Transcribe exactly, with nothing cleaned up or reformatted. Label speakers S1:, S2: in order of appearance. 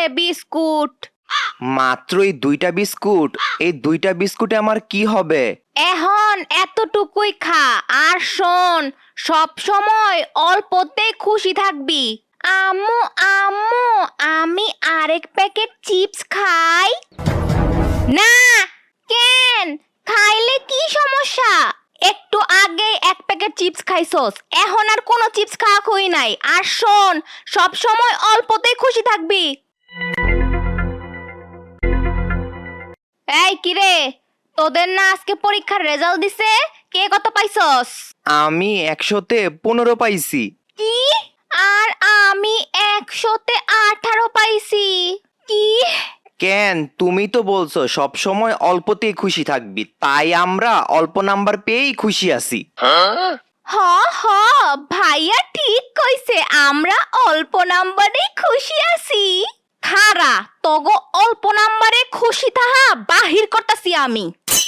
S1: Biscuit.
S2: মাত্রই দুইটা biscuit? এই দুইটা বিস্কুটে আমার কি হবে?
S1: এখন এতটুকুই খা, আর শোন, সব সময় অল্পতেই খুশি থাকবি। আম্মু আম্মু, আমি আরেক প্যাকেট চিপস খাই। না, কেন? খাইলে কি সমস্যা? একটু আগে এক প্যাকেট চিপস খাইছস, এখন আর কোনো চিপস খাওয়া হই নাই। আর শোন, সব সময় অল্পতেই খুশি থাকবি। এই কিরে, তোদের না আজকে পরীক্ষার রেজাল্ট দিছে? কে কত পাইছস?
S2: আমি একশোতে পনেরো পাইছি।
S1: কি? আর আমি একশোতে আঠারো পাইছি। কি?
S2: কেন, তুমি তো বলছো সব সময় অল্পতেই খুশি থাকবি, তাই আমরা অল্প নাম্বার পেয়েই খুশি আছি।
S1: হ হ, ভাইয়া ঠিক কইছে, আমরা অল্প নাম্বারে খুশি আছি। খারা, তগো অল্প নাম্বারে খুশি তাহা বাহির করতাছি আমি।